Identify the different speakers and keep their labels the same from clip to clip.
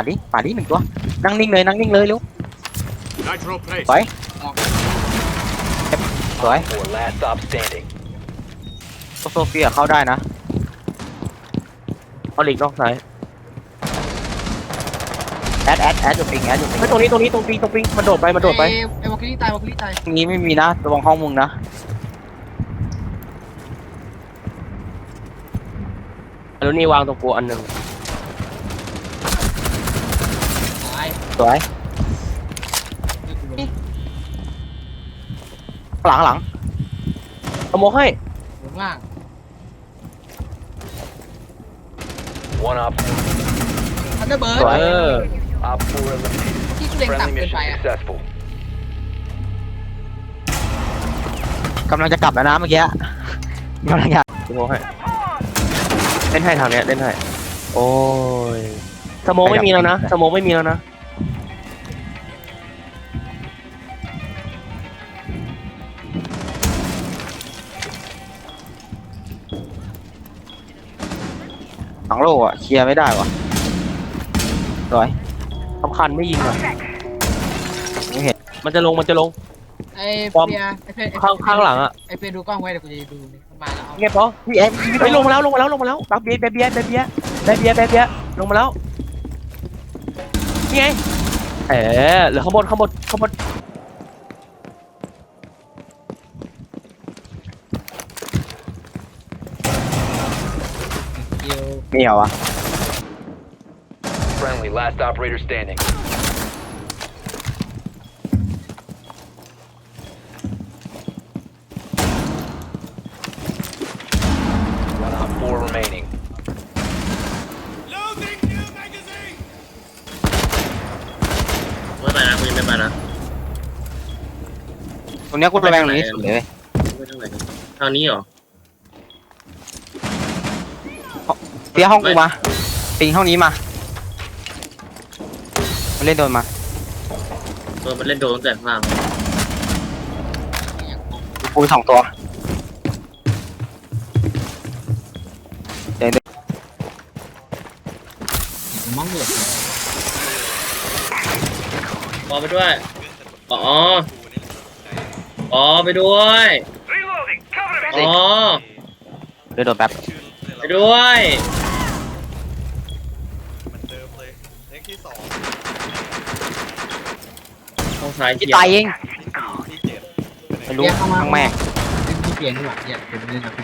Speaker 1: ดิหนึ่งตัวนั่งนิ่งเลยเร็วสวยสวยโซเฟียเข้าได้นะเอาหลีกนอกซ้ายแอดอยู่ปิงตรงนี้ตรงปิงมันโดดไปไ
Speaker 2: อ้วอลคิลี่ตายวอลคิลี่ตาย
Speaker 1: ตรงนี้ไม่มีนะระวังห้องมึงนะแล้วนี่วางตรงกูอันหนึ่ง
Speaker 2: ตาย
Speaker 1: สวยหลังขโมยให้
Speaker 2: ลงล่าง ทันเดอร์เบิร์ด
Speaker 1: สวย
Speaker 2: ที่กูเล็งต่ำเกินไปอ่ะ
Speaker 1: กำลังจะกลับแล้วนะเมื่อกี้กำลังจะขโมยให้เล่นให้ทางเนี้ยเล่นให้โอ้ยสโมองไม่มีแล้วนะสโมองไม่มีแล้วนะหลังโลอ่ะเคลียร์ไม่ได้วะร้อยสำคัญไม่ยิงอ่ะไม่เห็นมันจะลง
Speaker 2: ไอ้เฟียไอ้เฟีย
Speaker 1: ข้างหลังอ่ะ
Speaker 2: ไอ้เฟียดูกล้องไว้เดี๋ยวกูจะดูมันมาแล้ว
Speaker 1: เงียบปะพี่เอ็มไปลงมาแล้วบักเบียลงมาแล้วนี่ไงเหลือข้างบนมีเหรอวะ
Speaker 3: Friendly, last operator standing. One on 4 remaining.
Speaker 4: Loading new magazine.
Speaker 5: ไม่ไปนะกูยังไม่ไปนะ
Speaker 1: ตรงเนี้ยกูระแวงตรงนี้สุดเลย
Speaker 5: ไม่ทางไหนกันทางนี้เหรอ
Speaker 1: เปียห้องกูมาปิงห้องนี้มาเล่นโดนมา
Speaker 5: มันเล่นโดนตั้งแต่ข้างล่าง
Speaker 1: กู2 ตัวเดี๋ยว
Speaker 2: มั่งเหรอ
Speaker 5: ปอไปด้วยอ๋อไปด้วยอ๋อ
Speaker 1: เดี๋ยวโดนแป๊บ
Speaker 5: ไปด้วย
Speaker 4: มันเดิมเลยเลขที่2
Speaker 5: ห้องซ้าย
Speaker 1: ที่
Speaker 5: เขียว
Speaker 1: ตายเอง
Speaker 4: ที่7
Speaker 1: ไม่รู้ทั้งแม่
Speaker 2: ที่เปลี่ยนดีกว่าเนี่ยเป็นเล่นนะพี่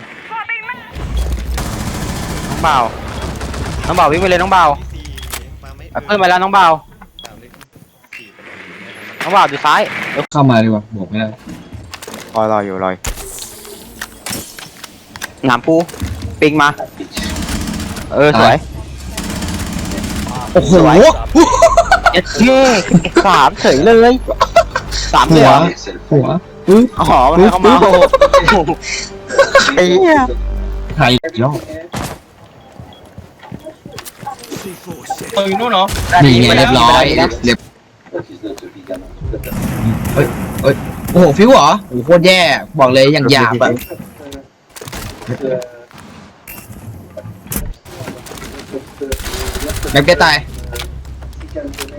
Speaker 1: น้องเบาวิ่งไปเลยน้องเบา
Speaker 4: ที่4มาไม่
Speaker 1: เพิ่มไปแล้วน้องเบา
Speaker 4: ตามเลขที่4ไปเลย
Speaker 1: น้องเบาอยู่ซ้าย
Speaker 2: เข้ามาดีกว่าบอกไม่ได้
Speaker 1: รออยู่หนามปูปิงมาสวย
Speaker 2: โอ้โห
Speaker 1: เย้3เฉยเลย3เลย
Speaker 2: หัว
Speaker 1: อ๋อมันเข้ามาไอ้เหี้ย
Speaker 2: ไทยยอด
Speaker 1: อยู่นู่นเนาะ
Speaker 2: นี่ไงเรียบร้อยเรียบโอ้โหฟิวเหรอโอ้โหโคตรแย่บอกเลยอย่างหยาบแบบแม็กเก็ตตาย